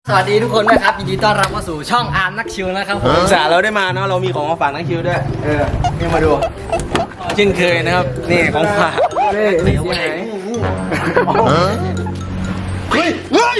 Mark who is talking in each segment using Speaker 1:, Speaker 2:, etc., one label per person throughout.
Speaker 1: สวัสดีทุกคนนะครับยินดีต้อนรับเข้าสู่ช่องอาร์มนักชิวนะครับผม
Speaker 2: สาเราได้มาเนาะเรามีของมาฝากนักคิวด้วยนี่มาดูเช่นเคยนะครับนี่ของฝากนี่ที่ไหนเฮ้ยเฮ้ย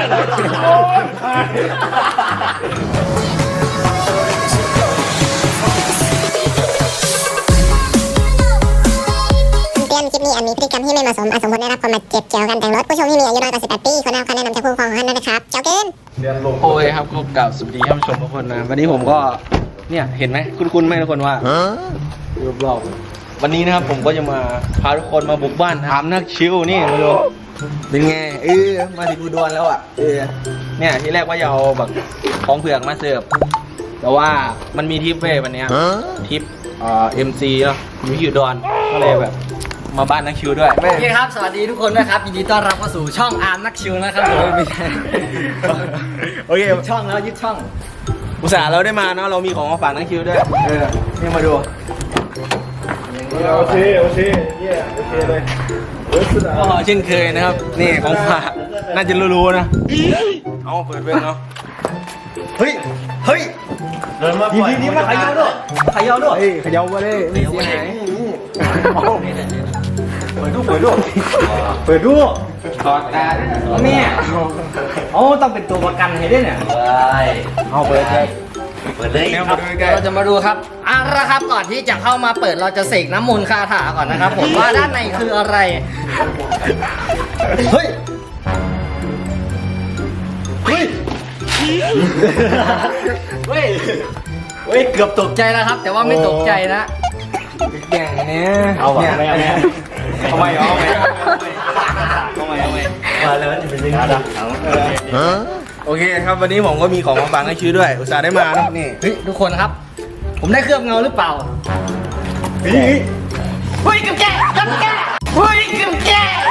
Speaker 3: คลิปนี้อาจมีพฤติกรรมที่ไม่เหมาะสมอาจสมควรได้รับความบาดเจ็บเกี่ยวกับการแต่งรถผู้ชมที่มีอายุน้อยกว่า18 ปีควรได้รับคำแนะนำจากผู้ปกครองของท่านด้วยนะครับเจ้าเกิน
Speaker 2: โอ้ยครับก็กล่าวสวัสดีท่านผู้ชมทุกคนนะวันนี้ผมก็เนี่ยเห็นไหมคุ้นๆไหมทุกคนว่ารูปๆวันนี้นะครับผมก็จะมาพาทุกคนมาบุกบ้านถามนักชิวนี่มาดูเป็นไงมาถึงอุดรแล้วอ่ะเนี่ยที่แรกว่าจะเอาแบบของเผือกมาเสิร์ฟแต่ว่ามันมีทริปเว้ยวันเนี้ยทริปMC เนาะอยู่ที่อุดรก็เลยแบบมาบ้านนักชิวด้วย
Speaker 1: โอเคครับสวัสดีทุกคนนะครับยินดีต้อนรับเข้าสู่ช่องอาร์มนักชิวนะครับผมไม่ใช่
Speaker 2: โอเค
Speaker 1: ยึดช่องแล้วยึดช่อง
Speaker 2: อุตส่าห์เราได้มาเนาะเรามีของมาฝากนักคิวด้วยนี่มาดู
Speaker 4: โอเคเลย
Speaker 2: ก็เช่นเคยนะครับนี่ของฝากน่าจะรู้ๆนะเอาเปิดเว้นเนาะเฮ้ย
Speaker 4: เดินมาปล่อย
Speaker 2: นี่มาขยับด้วยขยับมาเลยไม่เสียหายเปิดดูถอดตาแม่
Speaker 1: โอ้ต้องเป็นตัวประกันให้ด้วยเนี่ย
Speaker 2: เอาเปิดเลย
Speaker 1: เราจะมาดูครับเอาละครับก่อนที่จะเข้ามาเปิดเราจะเสกน้ำมนต์คาถาก่อนนะครับผมว่าด้านในคืออะไรเฮ้ยเกือบตกใจแล้วครับแต่ว่าไม่ตกใจนะ
Speaker 2: อย่างนี้
Speaker 4: เอาวะไม่เอา
Speaker 2: ทำไมเอา
Speaker 4: มาเลยว่าจะเป็นยังไง
Speaker 2: โอเคครับวันนี้ผมก็มีของมาฝากให้ชื่อด้วยอุตส่าห์ได้มานะนี่
Speaker 1: เฮ้ยทุกคนครับ ผมได้เคลือบเงาหรือเปล่าเฮ้ยกับแกเฮ้ยกับแก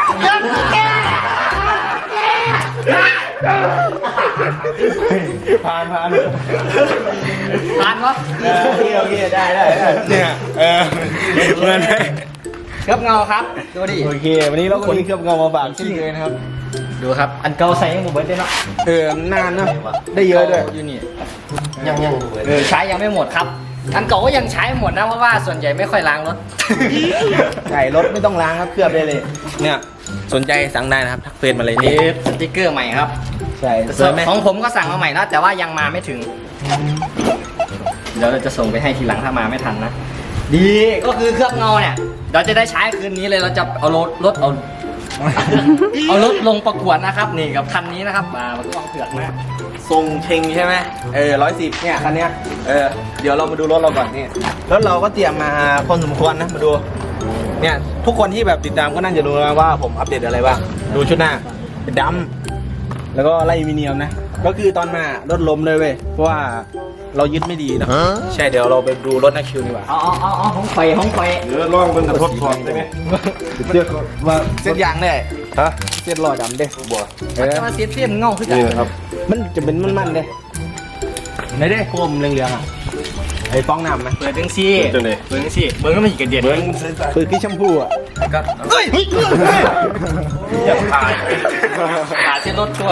Speaker 2: ผ่าน
Speaker 1: ผ่านวะ
Speaker 2: โอเคได้เนี่ยเหมือนไหม
Speaker 1: เคลือบเงาครับดูดิ
Speaker 2: โอเควันนี้เราก็มีเคลือบเงามาฝากชื่อเลยนะครับ
Speaker 1: ดูครับอันเก่าใส่ยังบุบเบิ้ลได้เนาะ
Speaker 2: นานนะได้เยอะด้วย
Speaker 1: อยู่นี่ยังใช้ยังไม่หมดครับอันเก่าก็ยังใช้หมดนะเพราะว่าส่วนใหญ่ไม่ค่อยล้างรถ
Speaker 2: ใช่รถไม่ต้องล้างครับเคลือบได้เลยเนี่ยสนใจสั่งได้นะครับทักเฟซมาเลยนี่
Speaker 1: สติ๊กเกอร์ใหม่ครับ
Speaker 2: ใช่
Speaker 1: ของผมก็สั่งมาใหม่แล้วแต่ว่ายังมาไม่ถึงเดี๋ยวเราจะส่งไปให้ทีหลังถ้ามาไม่ทันนะดีก็คือเคลือบเงาเนี่ยเราจะได้ใช้คืนนี้เลยเราจะเอารถลงประกวดนะครับนี่กับคันนี้นะครับมาก็ต้องเผือกนะ
Speaker 2: ทรงเชงใช่ไหม110เนี่ยคันเนี้ยเดี๋ยวเรามาดูรถเราก่อนนี่รถเราก็เตรียมมาพอสมควรนะมาดูเนี่ยทุกคนที่แบบติดตามก็น่าจะรู้นะว่าผมอัปเดตอะไรบ้างดูชุดหน้าเป็นดำแล้วก็ไล่มิเนียมนะก็คือตอนมารถล้มเลยเว้ยเพราะว่าเรายึดไม่ดีนะใช่เดี๋ยวเราไปดูรถนักคิวดีกว่า
Speaker 1: อ๋อห้องไฟ
Speaker 4: เดี๋ยวลองเป็นกระทบถอดได้ไหม
Speaker 2: เสื้อว่าเส้นยางได้ฮะเส้นลอยดำเด้บัว
Speaker 1: มันจะมาเสียเงาขึ้น
Speaker 4: นี่นะครับ
Speaker 2: มันจะเป็นมันๆเด้ไหนเด้โคมเรืองๆอ่ะไอ้ฟองน้ำไหม
Speaker 1: เปิดจังซี่เปิดจังซี่เบิ้งก็ไม่กระเด็น
Speaker 2: คือที่แชมพูอ่ะ
Speaker 1: ก็เฮ้ย
Speaker 4: อย่าถ่าย
Speaker 1: ขาเส้นรถชั่ว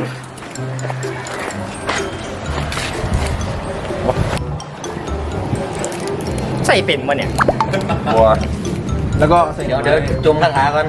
Speaker 1: ใส่เป็นวะเนี่ย
Speaker 4: บัว
Speaker 2: แล้วก็
Speaker 1: เดี๋ยวจมคาถาก่อน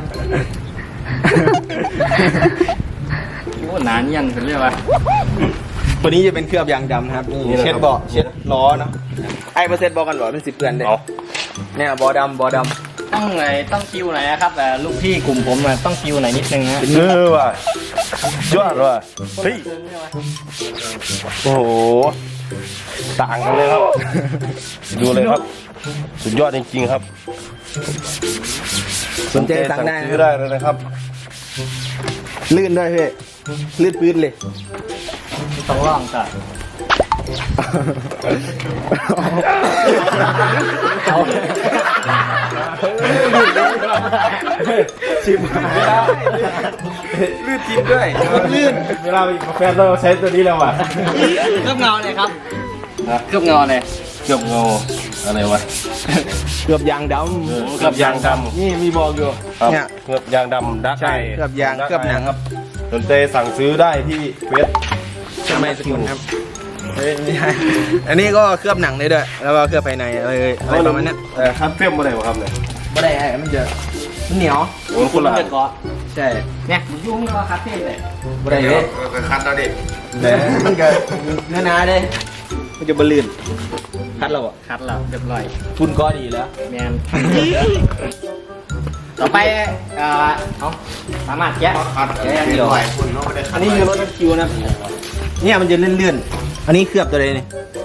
Speaker 1: โอ้นานยันเป็นเรื่องวะ
Speaker 2: ตัวนี้จะเป็นเคลือบยางดำนะครับนี่เช็ดเบาะเช็ดล้อเนาะไอ้เปอร์เซ็นต์บอกกันบอกเป็น10 เดือนเลยเนี่ยบอดำ
Speaker 1: ต้องคิวไหนนะครับแต่ลูกพี่กลุ่มผมต้องคิวไหนนิดนึงนะ
Speaker 4: ว่ะยอดว่ะเฮ้ยโอ้โหต่างกันเลยครับดูเลยครับสุดยอดจริงๆครับ
Speaker 2: สนใจสั่งได้
Speaker 4: ซื้อได้เลยนะครับ
Speaker 2: ลื่นด้วยพี่ลื่นปื้ดเลย
Speaker 1: ต้องลองจ้ะ
Speaker 2: ชิมลื่นจริงด้วยลื่น
Speaker 4: เวลาไปกาแฟเราใช้ตัวนี้แล้วอ่ะ
Speaker 1: เคลือบเงาเลยครับเคลือบเงาเลย
Speaker 4: เคลือบเงาอะไรวะ
Speaker 2: เคลือบยางดำ
Speaker 4: เคลือบยางดำ
Speaker 2: นี่มีบอกอยู่เนี่ย
Speaker 4: เคลือบยางดำดัก
Speaker 2: ใช่เคลือบยางเคลือบหนังครับ
Speaker 4: สนใจสั่งซื้อได้ที่เฟซ
Speaker 2: ใช่ไหมสกุลครับเฮ้ยไม่ใช่อันนี้ก็เคลือบหนังได้ด้วยแล้วก็เคลือบภายในอะไรประมาณนี้
Speaker 4: คัดเฟ้มอะไรวะครับเนี่ย
Speaker 2: ไม่ได้มันจะเหนียว
Speaker 4: โอ้คนละ
Speaker 2: มันจะเกาะใช่
Speaker 1: เนี่ยยุ่งก็คัดเทปเลย
Speaker 2: ไม่ได้เลย
Speaker 4: คัดแล้วดิ
Speaker 2: มันก็เนื้อหนาเด้มันจะบลื่นคัดเราอ่ะ
Speaker 1: คัดแล้วเรียบร้อย
Speaker 2: ทุนก็ดีแล้ว
Speaker 1: แมน ต่อไปเอาสามารถแกะ
Speaker 4: คัด
Speaker 1: แกะเดียว
Speaker 4: คุณไม่ได้คั
Speaker 2: อั
Speaker 4: ด
Speaker 2: นนี้คือรถคิวนะเนี่ยมันจะเลื่อนๆอันนี้เคลือบตัวเลยนี่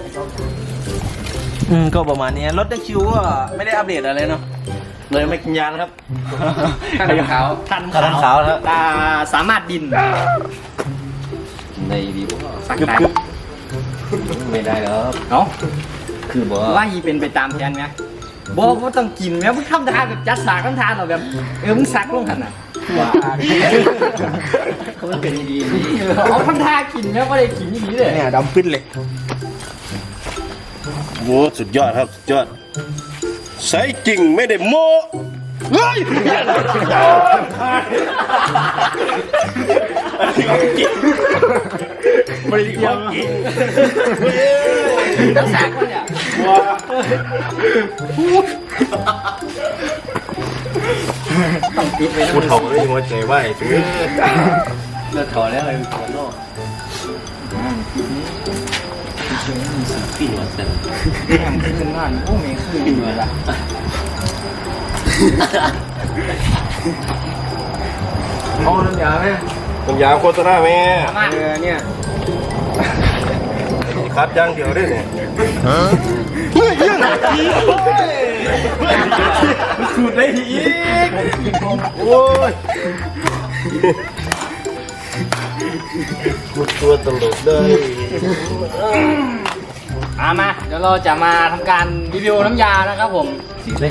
Speaker 2: ก็ประมาณนี้รถคิวก็ไม่ได้อัปเดตอะไรเนาะ
Speaker 4: เลยไม่กินยาแล้วครับ
Speaker 1: ท่านขาวท่าน
Speaker 2: ท่านขาวครับ
Speaker 1: สามารถดิน
Speaker 5: ในดีบ่
Speaker 1: สักได้
Speaker 5: ไม่ได้แล้ว
Speaker 1: เนาะ
Speaker 5: คือบ่
Speaker 1: ว่ายีเป็นไปตามแผนไหมบอกว่าต้องกินไหมมึงทำทานแบบจัดสากทำทานเราแบบมึงซักลงหันอ่ะ
Speaker 5: ว่าเขามันเป็นดีนี่
Speaker 1: เอาทำทานกินไหมไม่ได้กินอย่างนี้เลย
Speaker 2: เนี่ยดำปิ้นเลย
Speaker 4: โอ้สุดยอดครับสุดยอดใส่จริงไม่ได้โม้เฮ้ยไม่ได้ความจริง
Speaker 1: จัดสากมันเนี่ย
Speaker 4: ว้า
Speaker 1: ต้องปิดไว้นะ
Speaker 4: พูดเขาเลยหัวใจไหวซื้อ
Speaker 5: เลิกถอนแล้วอะไรถอนโลกปีนวันเสาร์
Speaker 1: แหมขึ้นบ้านโอ้ไม่ขึ้นเลยล่ะ
Speaker 2: เอาน้ำยาไหม
Speaker 4: ผมยาวโฆษณาแม่
Speaker 1: สามารถ
Speaker 2: เนี่ย
Speaker 4: คัดย่างเดียวได้เนี่ยสูดได้อีกโอ้ยกูตัวตลกเลย
Speaker 1: มาเดี๋ยวเราจะมาทำการรีวิวน้ำยานะครับผม
Speaker 5: สีเลย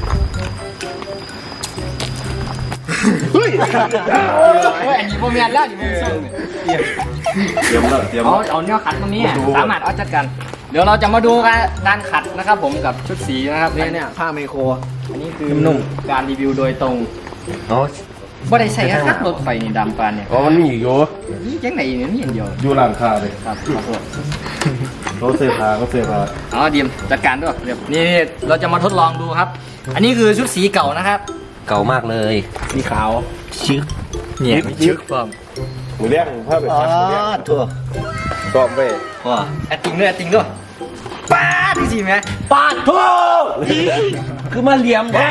Speaker 1: โอ้ยอันนี้โมเมนแล้วอันนี้โมเมนส้มเนี่ย
Speaker 4: เตรียมแล้วเตรียม
Speaker 1: เอาเนื้อขัดตรงนี้สามารถเอาจัดกัน เดี๋ยวเราจะมาดูการขัดนะครับผมกับชุดสีนะครับ
Speaker 2: เนี่ยผ้าไมโคร
Speaker 1: อันนี้คือ
Speaker 2: นุ่ม
Speaker 1: การรีวิวโดยตรง
Speaker 5: อ๋อ
Speaker 1: บ่ได้ใส่คัดรถไฟนี่ดำปานเนี่ย
Speaker 4: อ๋อมันมีอยู่
Speaker 1: นี่ยังไหนเนี่ยนี่อย่างเดียว
Speaker 4: อยู่ร้านค้าเลย
Speaker 1: ครับขอโทษ
Speaker 4: เขาเสื้อผ้าเขาเสื้อผ้า
Speaker 1: เอาเดียมจัดการด้วยเดี๋ยวนี่เราจะมาทดลองดูครับ อันนี้คือชุดสีเก่านะครับ
Speaker 5: เก่ามากเลย
Speaker 2: สีขาว
Speaker 5: ชึก
Speaker 1: เนี่ยมีชึกฟอร์ม
Speaker 4: หมูเลี้ยงผ้าแบบคัดหมูเลี้ยง
Speaker 5: ทั่ว
Speaker 4: ซ้อมไป
Speaker 5: ว่า
Speaker 1: แอดติ้งด้วยแอดติ้งด้วยป้าดจริงๆไหม
Speaker 2: ปาดโทคือมาเหลี่ยมแท้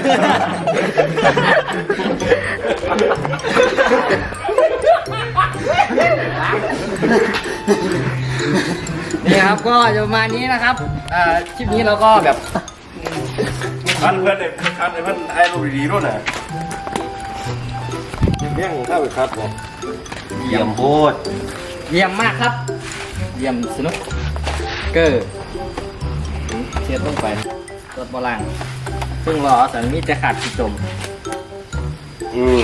Speaker 1: นี่ครับก็จะประมาณนี้นะครับคลิปนี้เราก็แบบ
Speaker 4: คัดเพื่อนไอ้คัดไอ้เพื่อนไอ้รูปดีๆด้วยนะเลี้ยงผ้าแบบคัดบอก
Speaker 5: เยี่ยมโพด
Speaker 1: เยี่ยมมากครับ เยี่ยมสนุกเกอร์เชียร์ต้องไปรถโบราณซึ่งรอสันมีจะขาดกิจม
Speaker 4: อืม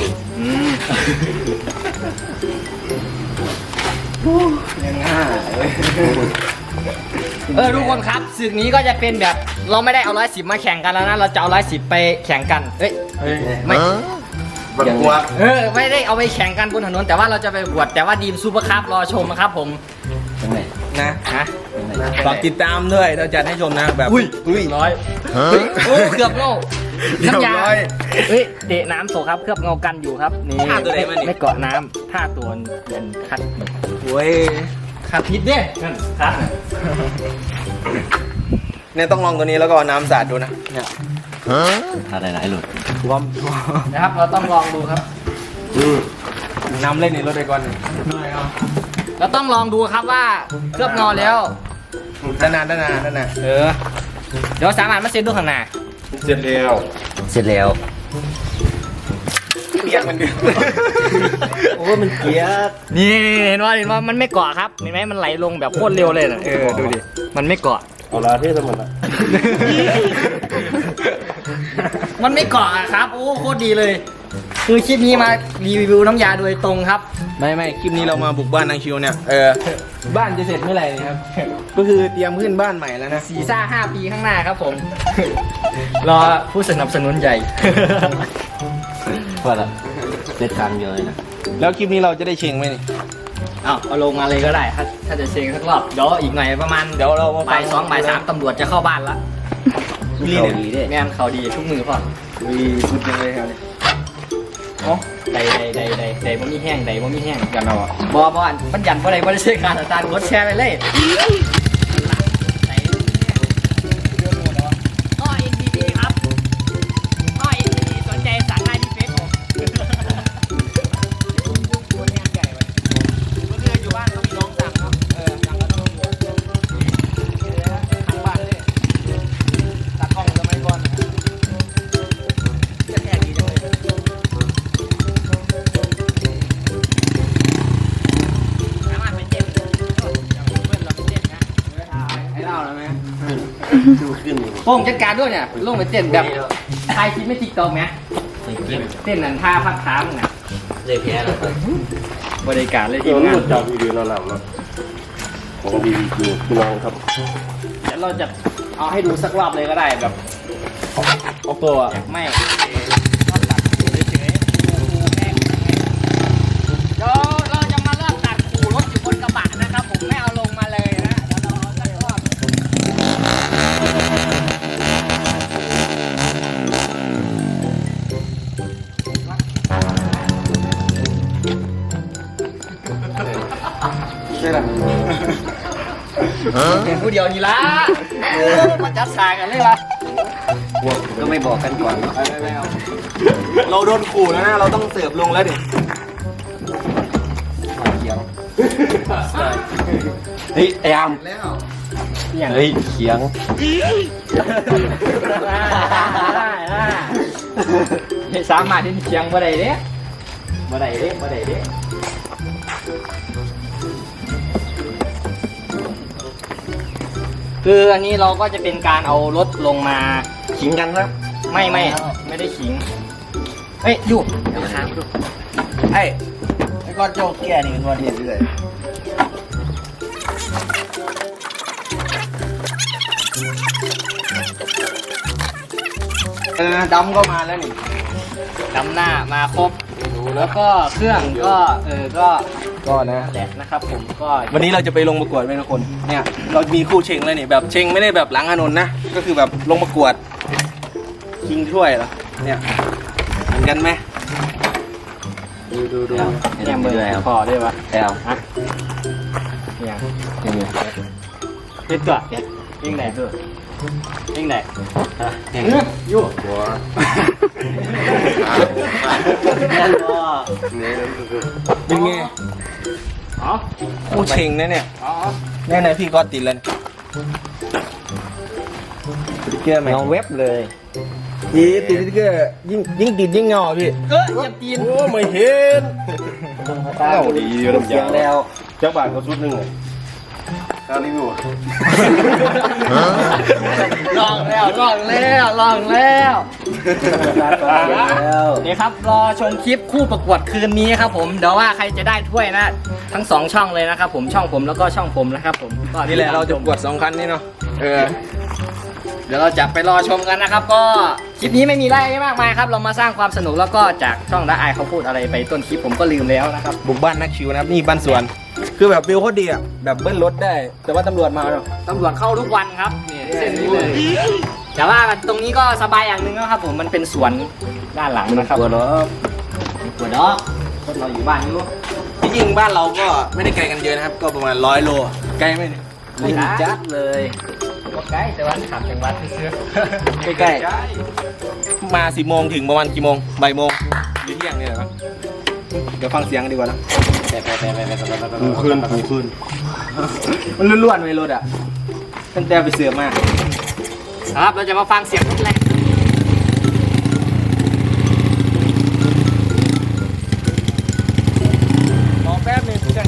Speaker 2: ยังง่าย
Speaker 1: ทุกคนครับศึกนี้ก็จะเป็นแบบเราไม่ได้เอา110มาแข่งกันแล้วนะเราจะเอา110ไปแข่งกันเอ้ยไม่
Speaker 4: บักกวด
Speaker 1: ไม่ได้เอาไปแข่งกันบนถนนแต่ว่าเราจะไปบวชแต่ว่าดีมซูเปอร์คัพรอชมนะครับผม
Speaker 5: ยังไง
Speaker 2: นะ
Speaker 1: ฮะ
Speaker 2: ฝากติดตามด้วยเราจะให้ชมนะแบบ
Speaker 1: อุ้ยร้อยเฮ้ยโอ้เกือบโง่น้ำยา
Speaker 2: เรียบร้อย
Speaker 1: เฮ้ยเดะน้ำโสครับเคลือบเงากันอยู่ครับนี่
Speaker 2: ท่าตัวไหนมานี่
Speaker 1: ไม่เกาะน้ำท่าตัวเป็นคัด
Speaker 2: โอ้ย
Speaker 1: คัดพิษเด้คัด
Speaker 2: เนี่ยต้องลองตัวนี้แล้วก็เอาน้ำสาดดูนะเนี่ย
Speaker 5: ทาหลายๆหลุด
Speaker 2: ท่วม
Speaker 1: นะครับเราต้องลองดูครับ
Speaker 2: น้ำเล่นในรถไปก่อน
Speaker 1: เราต้องลองดูครับว่าเคลือบเงาแล้ว
Speaker 2: ด้านหน้าด้านหน้าด้านหน้า
Speaker 1: เดี๋ยวสามารถมาเซ็นดูข้างหน้า
Speaker 4: เสร็จแล้ว
Speaker 5: เสร็จแล้ว
Speaker 2: เปียกมันเดือด
Speaker 5: โอ้มันเกียด
Speaker 1: นี่เห็นว่ามันไม่เกาะครับเห็นไหมมันไหลลงแบบโคตรเร็วเลยนะดูดิมันไม่เกาะ
Speaker 4: เอาลาเทศมันละ
Speaker 1: มันไม่เกาะอะครับโอ้โคตรดีเลย คือคลิปนี้มารีวิวน้ำยาโดยตรงครับ
Speaker 2: ไม่คลิปนี้เรามาบุกบ้านนางคิวเนี่ยบ้านจะเสร็จเมื่อไหร่นะครับ ก็คือเตรียมขึ้นบ้านใหม่แล้วนะ
Speaker 1: สีซ่า5 ปีข้างหน้าครับผม รอผู้สนับสนุนใหญ่
Speaker 5: ว่าละเสร็จทางเดียวเลยนะ
Speaker 2: แล้วคลิปนี้เราจะได้เชงไหมนี่
Speaker 1: เอาลงมาเลยก็ได้ ถ้าจะเช็คสักรอบเดี๋ยวอีกหน่อยประมาณ
Speaker 2: เดี๋ยวเรามาฟั
Speaker 1: บ่าง ย 2 บ่าย 3ตำรวจจะเข้าบ้านละ
Speaker 2: นี่
Speaker 5: เขา
Speaker 2: เนี่ย
Speaker 5: ดีเด้
Speaker 1: แม่นเขาดีทุกมือพ่อ
Speaker 2: มีสุดยังเลยครับเนี่ยอ๋อ
Speaker 1: ใดบ่มีแห้งใดบ่มีแห้ง
Speaker 2: กันเอาอ่ะ
Speaker 1: บ่อันมันยันบ่ได้บ่ได้ใช้การอาจารย์กดแชร์ไปเลยอ้อ NDD ครับอ้อ NDD สนใจสั่งได้ที่เฟซผมคนงานใหญ่ไว้
Speaker 2: เมื่อคืนอยู่บ้านก็มีน้องสั่งเนาะสั่งแล้วต้องมีทางบ้านเลยตัดกล้องสมัยก่อนแค่ดีจังเลย
Speaker 1: สามารถไปเต้นอย่างเพื่อนเราไปเต้นนะ
Speaker 2: ให้เล่าแล้วไหม
Speaker 4: ดูขึ้น
Speaker 1: โป้งจัดการด้วยเนี่ยลงไปเต้นแบบถ่ายคลิปไม่ติ๊กต็อกไหมเต้นนั่นท่าพักขามึงน่ะ
Speaker 5: เลยแพ้แล้ว
Speaker 1: บริการเลยที
Speaker 4: เดี๋ยว
Speaker 1: มงาน
Speaker 4: รถจับวีดีโอนำนะของดีจริงพี่น้องครับ
Speaker 1: เดี๋ยวเราจะเอาให้ดูสักรอบเลยก็ได้แบบ
Speaker 2: เอาตัวอ่ะ
Speaker 1: ไม่รอบตัดขู่เฉยๆขู่แม่งเดี๋ยวเราจะมาเริ่มตัดขู่รถอยู่บนกระบะนะครับผมไม่เอาลงมาเลยนะเดี๋ยวเราเอาสักรอบ
Speaker 2: ใช่หรอ
Speaker 1: เห็นผู้เดียวนี่ละมาจัดฉากกันเลยละ
Speaker 5: ก็ไม่บอกกันก่อน
Speaker 2: ไม่เอาเราโดนขู่แล้วนะ เราต้องเสิร์ฟลงแล้วดิ
Speaker 4: เฮ้ยไอ้อาม
Speaker 1: อย่าง
Speaker 4: เฮ้ยเขียง
Speaker 1: สามารถที่เชียงบ่ได้เด้บ่ได้เด้บ่ได้เด้คืออันนี้เราก็จะเป็นการเอารถลงมา
Speaker 4: ขิงกันครับ
Speaker 1: ไม่ได้ขิงเฮ้ยอยู่เดี๋ยวมาทางดู
Speaker 2: ไอ้ก้อนโจเกียนี่เป็นวันเห็นเลยดำก็มาแล้วนี่
Speaker 1: ดำหน้ามาครบแล้วก็เครื่องก็
Speaker 2: ก็นะ
Speaker 1: แหละนะครับผมก็
Speaker 2: วันนี้เราจะไปลงประกวดไหมทุกคน เนี่ย เรามีคู่เชงแล้วนี่แบบเชงไม่ได้แบบหลังถนนนะ ก็คือแบบลงประกวดชิงถ้วยเหรอ เนี่ยเหมือนกันไหมดู
Speaker 1: เนี่ยมือพอได้ปะ
Speaker 5: แล้ว
Speaker 1: ฮะเนี่ยเฮ็ดตัวเนี่ยยิงไหนตัวยิงไหนอยู่
Speaker 4: หัว
Speaker 1: นั่นก็
Speaker 2: เป็นไง
Speaker 1: อ๋อ
Speaker 2: คู่เชงนะเนี่ย
Speaker 1: อ๋อ
Speaker 2: แน่ๆพี่ก็ติดแล้วเกลือไหม
Speaker 5: เงาเว็บเลย
Speaker 2: ยี่ติดเกลือยิ่งติดยิ่งเงาพี่
Speaker 1: เหยียบตีน
Speaker 4: โอ้ไม่เห็นเอ้าดีอยู่ลำ
Speaker 5: เสีย
Speaker 4: ยาง ง
Speaker 5: แล้ว
Speaker 4: จักบาทก็ชุดหนึงเลยการรีวิว
Speaker 1: ลองแล้วนี่ครับรอชมคลิปคู่ประกวดคืนนี้ครับผมเดี๋ยวว่าใครจะได้ถ้วยนะทั้ง2ช่องเลยนะครับผมช่องผมแล้วก็ช่องผมนะครับผมก็
Speaker 2: นี่แหละเราจะประกวด2 คันนี่เนาะ
Speaker 1: เดี๋ยวเราจะไปรอชมกันนะครับ ก็คลิปนี้ไม่มีอะไรมากมายครับเรามาสร้างความสนุกแล้วก็จากช่องละอายเขาพูดอะไรไปต้นคลิปผมก็ลืมแล้วนะครับ
Speaker 2: บุกบ้านนักชิวนะครับนี่บ้านสวน คือแบบวิวโคตรดีอ่ะแบบเบิ้ลรถได้ แต่ว่าตำรวจมาเนาะ
Speaker 1: ตำรวจเข้าทุกวันครับนี่เส้นนี้เลยแต่ว่าตรงนี้ก็สบายอย่างหนึ่งนะครับผมมันเป็นสวนด้านหลังนะครับ
Speaker 5: ตัวรถ
Speaker 1: ปวดดอกรถเราอยู่บ้านอยู่
Speaker 2: ที่จริงบ้านเราก็ไม่ได้ไกลกันเยอะนะครับ ก็ประมาณ100 โลไกลไหมเนี่ย
Speaker 1: ไม่จัดเลยก็ใกล้แต่ว่าขับจังหวัดซื้อ
Speaker 2: ใกล้ๆมา10 โมงถึงประมาณกี่โมงบ่ายโมงหรือเที่ยงนี่แหละครับเดี๋ยวฟังเสียงดีกว่านะ
Speaker 4: ผูขึ้น
Speaker 2: มันล้วนๆเลยรถอ่ะตั้งแต่ไปเสือมา
Speaker 1: ครับเราจะมาฟังเสียงรถแรงรอแป๊บนึงจัง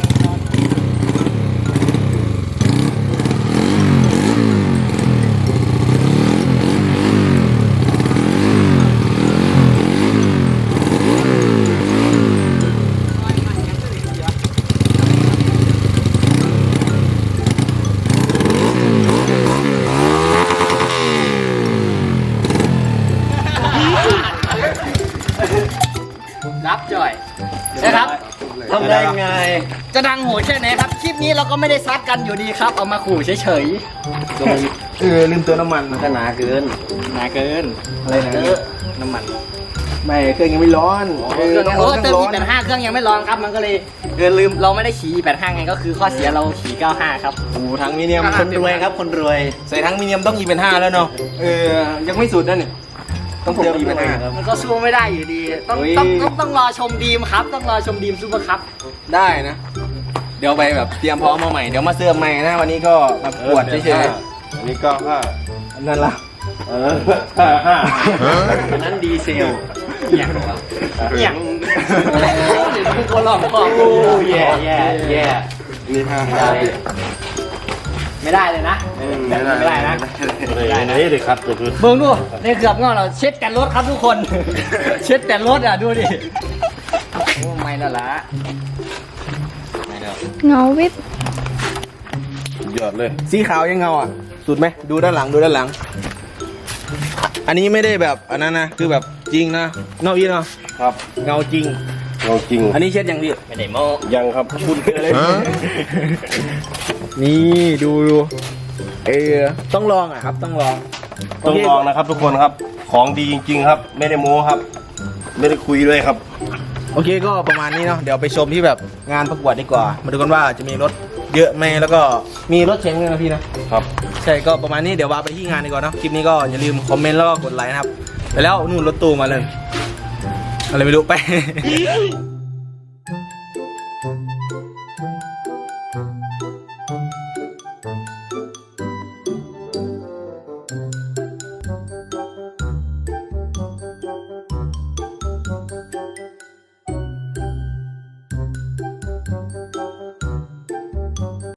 Speaker 1: รับจ่อยนะครับ
Speaker 5: ทำได้ไง
Speaker 1: จะดังโหดแค่ไหนครับ คลิปนี้เราก็ไม่ได้ซัดกันอยู่ดีครับ เอามาขู่เฉย
Speaker 2: ลืมเติมน้ำมัน
Speaker 1: ๆก็หนาเกินหนาเกิน
Speaker 2: อะไรนะ
Speaker 1: น้ำมัน
Speaker 2: ไม่เครื่องยังไม่ร้อน
Speaker 1: เครื่อง
Speaker 2: ต้องร้อน
Speaker 1: เติม
Speaker 2: ต้องร้อน
Speaker 1: E85เครื่องยังไม่ร้อนครับ มันก็เลยลืมเราไม่ได้ขี่ E85 ไงก็คือข้อเสียเราขี่ 95 ครับ
Speaker 2: โอ้โหทั้งมีเนียม
Speaker 5: คนรวยครับคนรวย
Speaker 2: ใส่ทั้งมีเนียมต้องE85แล้วเนาะยังไม่สุดนะเนี่ยต้องเติมE85
Speaker 1: มันก็สู้ไม่ได้อยู่ดี ต้อง
Speaker 2: เฮ้ย
Speaker 1: ต้องรอชมดีมครับ ต้องรอชมดีมซูเปอร์คัพ
Speaker 2: ได้นะ เดี๋ยวไปแบบเตรียมพร้อมมาใหม่เดี๋ยวมาเสื้อใหม่นะวันนี้ก็มาปวดเฉย
Speaker 4: อันนี้ก็ห้า
Speaker 2: ๆนั่นล่ะ
Speaker 5: อันนั้นดีเซล
Speaker 1: อย่างคนหลอกบอก
Speaker 5: โอ้แย่แย่แย่
Speaker 4: นี่ห้า
Speaker 1: ไม่ได้เลยนะไม่ได้นะ
Speaker 4: นี่เลยครับก็คือ
Speaker 1: เบิ่งดูในเกือบงอเราเช็ดแต่รถครับทุกคน เช็ดแต่รถอ่ะดูดิโอ้ไม่แล้วล่ะ
Speaker 6: เงาวิบ
Speaker 4: สุดยอดเลย
Speaker 2: สีขาวยังเงาอ่ะสุดไหมดูด้านหลังดูด้านหลัง อันนี้ไม่ได้แบบอันนั้นนะคือแบบจริงนะนอกอีเนาะ
Speaker 4: ครับ
Speaker 2: เงาจริง
Speaker 4: เราจริง
Speaker 2: อันนี้เช็ดยังพี่
Speaker 1: ไม่ได้โม้
Speaker 4: ยังครับคุณ
Speaker 2: เลยนี่ดูต้องลองอ่ะครับต้องลอง
Speaker 4: ต้องลองนะครับทุกคนครับ ของดีจริง ๆ ครับ ไม่ได้โม้ครับ ไม่ได้คุยด้วยครับ
Speaker 2: โอเคก็ประมาณนี้เนาะเดี๋ยวไปชมที่แบบงานประกวดดีกว่า มาดูกันว่าจะมีรถเยอะไหมแล้วก็มีรถเข็นด้วยนะพี่นะครับ ใช่ก็ประมาณนี้เดี๋ยวว่าไปที่งานดีกว่าเนาะคลิปนี้ก็อย่าลืมคอมเมนต์แล้วก็กดไลค์นะครับไปแล้วนู่นรถตู้มาเลยอะไรไม่รู้ไป